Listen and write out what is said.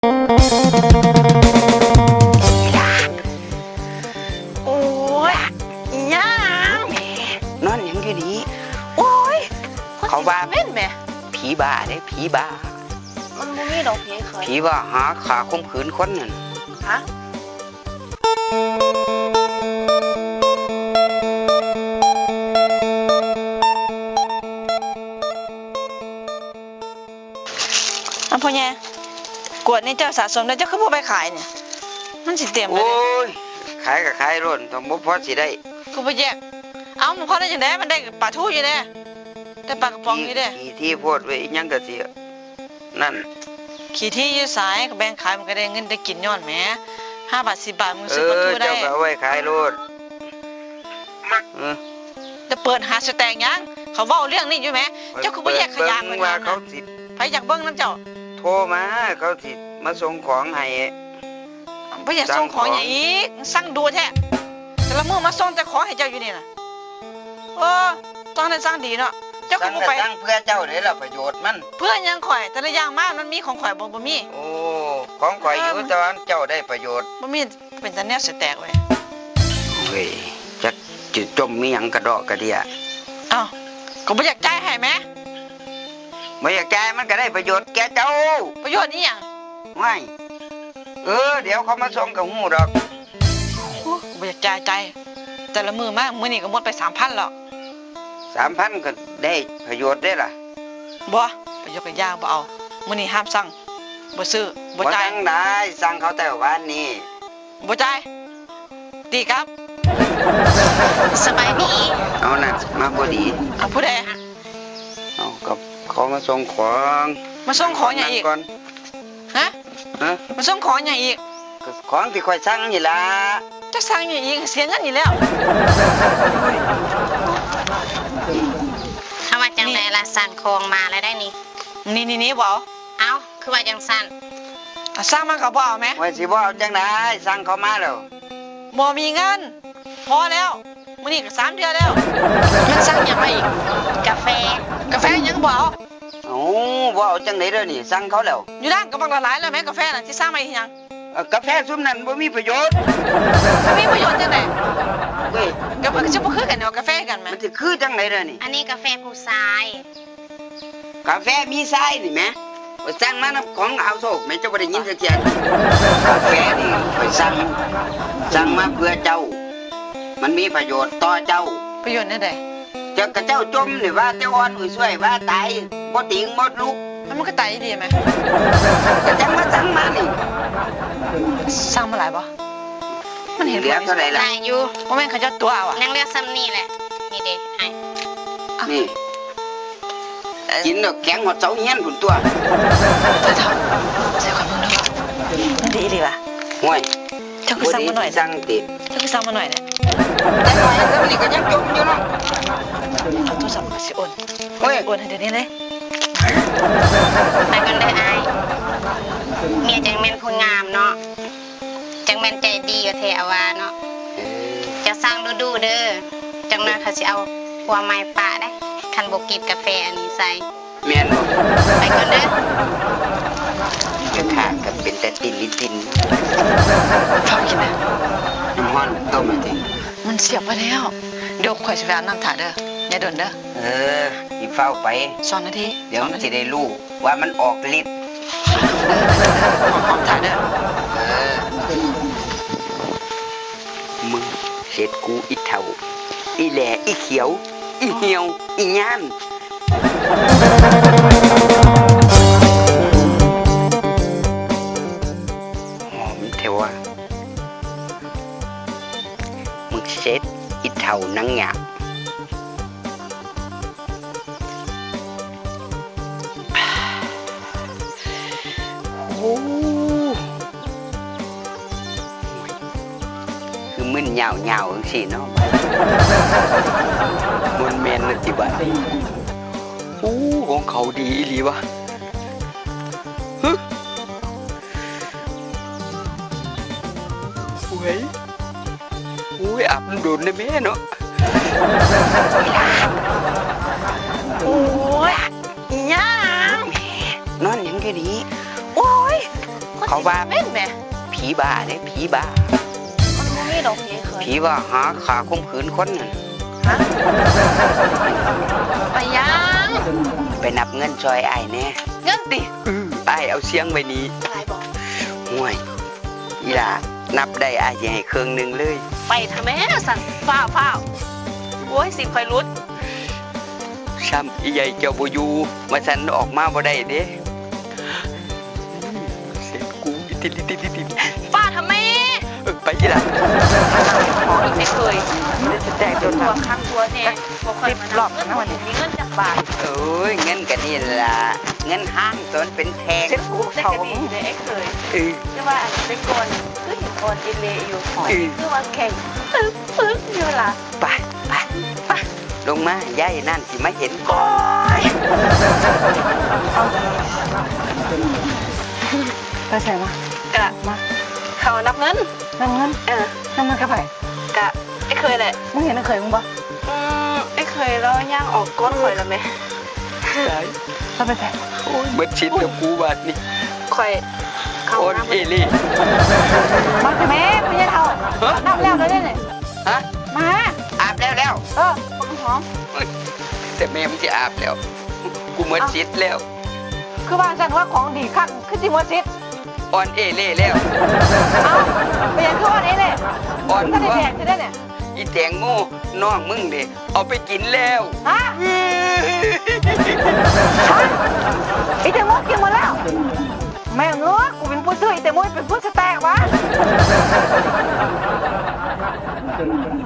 โอ้ยย่างนอนยังอยู่ดีโอ้ยเขาว่าเม่นแม่ผีบ้าเด้ผีบ้ามันบ่มีดอกผีเคยผีว่าหาขาข่มขืนคนนั่นฮะพ่อแย่กวดนี่เจ้าสะสมแล้วเจ้าคือบ่ไปขายเนี่ยมันสิเต็มเลยโอ้ยขายก็ขายร่นต้องบ่พอสิได้กูบ่แยกเอามันพอได้จังได๋มันได้ปลาทูอยู่เด้ได้ปลากระป๋องอยู่เด้ขี้ที่โพดไว้อีหยังก็สินั่นขี้ที่อยู่สายก็แบ่งขายมันก็ได้เงินได้กินย้อนแหม5 บาท10 บาทมึงซื้อปลาทูได้เจ้าก็เอาไว้ขายโลดจะเปิดหาสแต็กยังเขาเว้าเรื่องนี้อยู่แหมเจ้าคือบ่แยกขยะมันว่าเขาสิไผอยากเบิ่งนำเจ้าโทรมาเขาสิมาส่งของให้บ่อยากส่งของหยังอีกสั่งดูแท้แต่ละมื้อมาส่งแต่ของให้เจ้าอยู่นี่น่ะต้องได้สั่งดีเนาะเจ้าคือบ่ไปสั่งเพื่อเจ้าเด้ล่ะประโยชน์มันเพื่อหยังข่อยแต่ละอย่างมามันมีของข่อยบ่มีโอ้ของข่อยอยู่แต่ว่าเจ้าได้ประโยชน์บ่มีเป็นตาแนวสแต็กเว้ยเว้ยจักจิจมมีหยังกระดอกกระเดียอ้าวก็บ่อยากจ่ายให้แหมบ่อยากจ่ายมันก็ได้ประโยชน์แก่เจ้าประโยชน์อีหยังไม่เดี๋ยวเขามาส่งกับหูดอกบ่อยากจ่ายแต่ละมื้อมามื้อนี้ก็หมดไป 3,000 แล้ว 3,000 ก็ได้ประโยชน์ได้ล่ะบ่ประโยชน์ก็ยางบ่เอามื้อนี้ห้ามสั่งบ่ซื้อบ่จ่ายสั่งได้สั่งเขาแต่วันนี้บ่จ่ายตีครับสบายดีเอาน่ะมาบ่ดีเอาผู้ใดเอากับเขามาส่งของมาส่งของหยังอีกฮะมาส่งของหยังอีกของที่ค่อยสั่งนี่ล่ะจะสั่งหยังอีกเสียเงินอีกแล้วถ้าว่าจังได๋ล่ะสั่งของมาแล้วได้นี่นี่บ่เอ้าคือว่าจังสั่นสั่งมาก็บ่เอาแม่ว่าสิบ่เอาจังได๋สั่งเขามาแล้วบ่มีเงินพอแล้วมื้อนี้ก็3 เดือนแล้วมันสั่งหยังมาอีกกาแฟยังบ่เอาบ่เอาจังได๋เด้อนี่สั่งเขาแล้วอยู่ร้านก็บักละหลายแล้วแม่กาแฟน่ะสิสั่งมาอีกหยังกาแฟซุมนั้นบ่มีประโยชน์มีประโยชน์จังได๋เว้ยก็มันจะบ่คือกันเนาะกาแฟกันแม่มันสิคือจังได๋เด้อนี่อันนี้กาแฟผู้ชายกาแฟมีทรายนี่แม่ว่าสั่งมานํของเอาโศกแม่เจ้าบ่ได้ยินจักเที่ยกาแฟนี่ข่อยสั่งมาเพื่อเจ้ามันมีประโยชน์ต่อเจ้าประโยชน์แนวใดจักกะเจ้าจมนี่ว่าเจ้าอ่อนอุ้ยช่วยว่าตายบ่ติงบ่ลุกมันก็ตายดีมั้ยก็จังมาสั่งมานี่สั่งมาหลายบ่มันเห็นเหลือเท่าไหร่ล่ะได้อยู่บ่แม่นเขาเจ้าตัวเอาอ่ะยังเหลือซ้ำนี่แหละนี่เด้ให้นี่กินแล้วแข็งหมดเสาเฮียนพุ่นตัวใส่ความมึงเนาะมันดีดีว่ะห่วยเจ้าคือสั่งมาหน่อยสั่งติเจ้าคือสั่งมาหน่อยเนี่ยแต่หน่อยซะนี่ก็ยังจมอยู่เนาะเอาโทรศัพท์สิโอนโอนให้เดี๋ยวนี้เลยไปกันเลยอ้ายเมียจังแม่นคนงามเนาะจังแม่นใจดีอยู่แท้ว่าเนาะจะสั่งดูเด้อจังนั้นเขาสิเอาหัวไม้ป่าได้คันบ่กินกาแฟอันนี้ใส่แม่นบ่ไปกันเด้อจะขาดกันเป็นแต่ตินชอบกินนะน้ำฮ้อนต้มจริงมันเสียบไปแล้วเดี๋ยวข่อยสิไปอาบน้ำถ่าเด้ออย่าโดนเด้ออีเฝ้าไป 2 นาทีเดี๋ยวมันสิได้รู้ว่ามันออกฤทธิ์หอมถ่าเด้อมึงเสร็จกูอีเฒ่าอีแหล่อีเขียวอีเหี่ยวอีย่านหอมเทวะมึงเสร็จอีเฒ่านังหยาบคือมึนยาวจังซี่เนาะมันแม่นติบัดของเขาดีอีหลีวะอาบน้ำโดนได้แม่เนาะโอ้ยอีหยังนอนยังก็ดีโอ้ยคเขาว่าแม่นแหม่ผีบ้าเนี่ยผีบ้ามันบ่มีดอกผีเคยผีว่าหาขาข่มขืนคนนั่นฮะไปยังไปนับเงินซอยอ้ายแน่เงินติอ้ายเอาเสียงไว้นี้อะไรบอกห่วยอีหล่านับได้อ้ายสิให้เครื่องหนึงเลยไปทำแม่สั่นฟ้าวโอ้ยสิคอยรุดซ้ำอีใหญ่เจ้าบ่อยู่มาสันออกมาบ่ได้เด้เสียกูอิติลิติลิติฟ้าทำแม่ไปอีหล่าของอีกไม่เคยจะแตกโดนตัวทำข้างตัวเนี่ยบ่ค่อยมานับเงินวันนี้มีเงินจากบาทโอ้ยเงินกันนี่ล่ะเงินห้างตอนเป็นแพงเจ็บกูได้กระดีเลยไอ้เคยเออแต่ว่าอันเป็นก่อนคือเห็นก่อนอิเลอยู่ของคือว่าแข่งปึ๊กอยู่ล่ะไปไปไปลงมาย่ายนั่นสิมาเห็นก่อนไปใส่มากะมาเขานับเงินน้ำเงิน น้ำเงินกระไผ่กะไอ้เคยแหละมึงเห็นน้ำเคยมึงปะไอ้เคยแล้วย่างออกก้นข่อยแล้วไหมเราไปใส่โอ้ยเบิดชิดกับกูบาดนี่ข่อยเขาโอนนับเอลี่มาสิแม่ไม่ใช่เท่าน้ำแล้วเลยเนี่ยฮะมาอาบแล้วปังหอมเอ้ยแต่แม่มันจะอาบแล้ว กูเบิดชิดแล้วคือว่าฉันว่าของดีขั้นคือจิมวซิตออนเอเล่แล้วเอาไปยังคือวันนี้เนี่ยอ่อนถ้าได้ว่าแดกจะได้เนี่ยอีแตงโมน้องมึงเด้เอาไปกินแล้วฮะอีเตมุกกินหมดแล้ว แม่งเงือกกูเป็นผู้ซื้ออีเตมุกเป็นผู้สแต็กวะ